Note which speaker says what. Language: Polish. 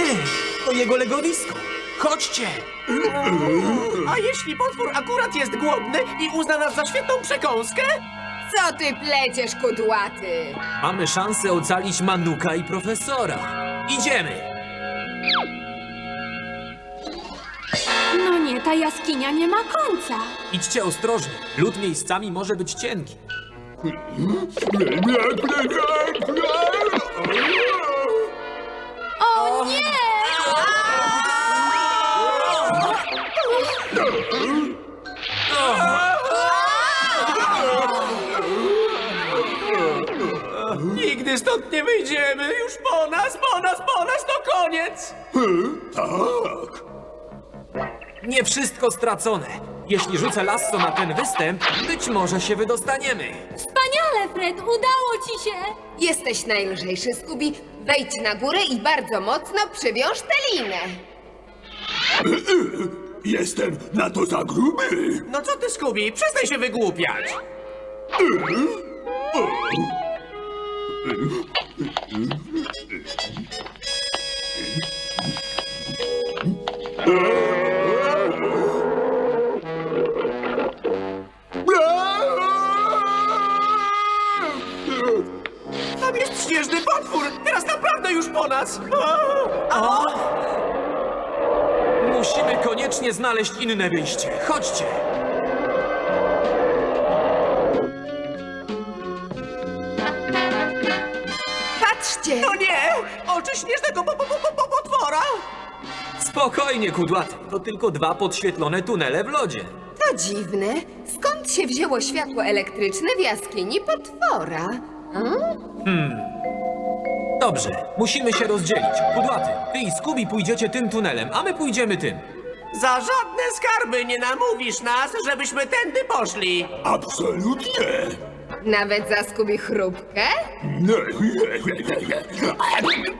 Speaker 1: To jego legowisko. Chodźcie.
Speaker 2: A jeśli potwór akurat jest głodny i uzna nas za świetną przekąskę?
Speaker 3: Co ty pleciesz, kudłaty?
Speaker 1: Mamy szansę ocalić Manuka i profesora. Idziemy.
Speaker 4: No nie, ta jaskinia nie ma końca.
Speaker 1: Idźcie ostrożnie. Lód miejscami może być cienki.
Speaker 4: O nie!
Speaker 2: Nigdy stąd nie wyjdziemy. Już po nas, to koniec.
Speaker 1: Nie wszystko stracone. Jeśli rzucę lasso na ten występ, być może się wydostaniemy.
Speaker 4: Wspaniale, Fred, udało ci się!
Speaker 3: Jesteś najlżejszy, Scooby. Wejdź na górę i bardzo mocno przywiąż tę linę.
Speaker 5: Jestem na to za gruby.
Speaker 2: No co ty, Scooby? Przestań się wygłupiać. Tam jest śnieżny potwór. Teraz naprawdę już po nas.
Speaker 1: Musimy koniecznie znaleźć inne wyjście. Chodźcie.
Speaker 3: Patrzcie!
Speaker 2: No nie! Oczy śnieżnego potwora!
Speaker 1: Spokojnie, kudłaty. To tylko 2 podświetlone tunele w lodzie.
Speaker 3: To dziwne. Skąd się wzięło światło elektryczne w jaskini potwora?
Speaker 1: Dobrze, musimy się rozdzielić. Kudłaty, ty i Scooby pójdziecie tym tunelem, a my pójdziemy tym.
Speaker 2: Za żadne skarby nie namówisz nas, żebyśmy tędy poszli.
Speaker 5: Absolutnie.
Speaker 3: Nawet za Scooby chrupkę?